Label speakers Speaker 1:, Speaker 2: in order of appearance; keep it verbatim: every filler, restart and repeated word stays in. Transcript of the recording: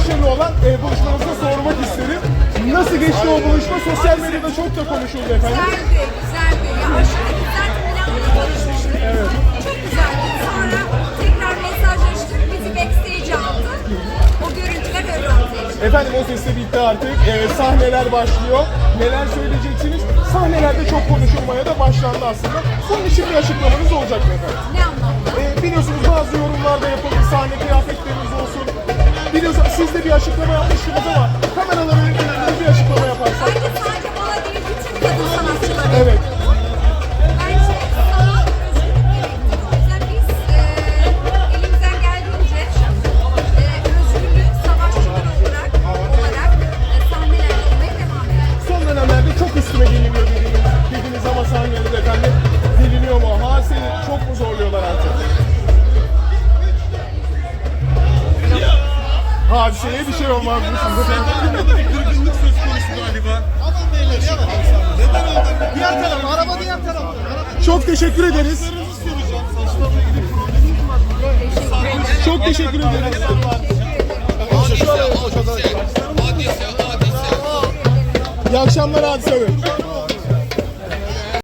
Speaker 1: başarılı olan e, buluşmanızda sormak isterim. Nasıl geçti o buluşma? Sosyal medyada çok da konuşuldu efendim.
Speaker 2: Güzeldi, güzeldi. Ya aşırı güzel planla konuşmuştuk.
Speaker 1: Evet.
Speaker 2: Çok güzeldi. Sonra tekrar mesajlaştık. Bizi backstage aldı. O görüntüler öyle ortaya çıktı.
Speaker 1: Efendim o ses de bitti artık. E, sahneler başlıyor. Neler söyleyeceksiniz? Sahnelerde çok konuşulmaya da başlandı aslında. Bunun için bir açıklamanız olacak mı efendim?
Speaker 2: Ne anlamda?
Speaker 1: E, biliyorsunuz bazı yorumlarda yapıldı. Sahne kıyafetleriniz olsun. Biliyorsunuz siz de bir açıklama yapmıştınız ama kameraların önünde bir açıklama yaparsak.
Speaker 2: Bence sadece bana değil, bütün kadın sanatçılara.
Speaker 1: Evet.
Speaker 2: Bence sanat özgürlük gerektirir. O yüzden biz e, elimizden geldiğince e, özgürlük savaşçılar olarak, olarak e, sahnelerde olmaya devam ediyoruz.
Speaker 1: Son dönemlerde çok üstüme geliniyor dediğiniz, dediğiniz ama sahnelerde efendim geliniyor mu? Ha seni çok mu zorluyorlar artık? Hadiseye bir şey olmaz mı sizde?
Speaker 3: Burada bir kırgınlık söz konusu galiba. Adam beyler ya. Neden oldu? Diğer taraf, araba diğer tarafta.
Speaker 1: Çok teşekkür ederiz.
Speaker 3: Soracağım. Saçlarla ilgili probleminiz var mı?
Speaker 1: Çok teşekkür ederiz. İyi akşamlar Hadise Bey.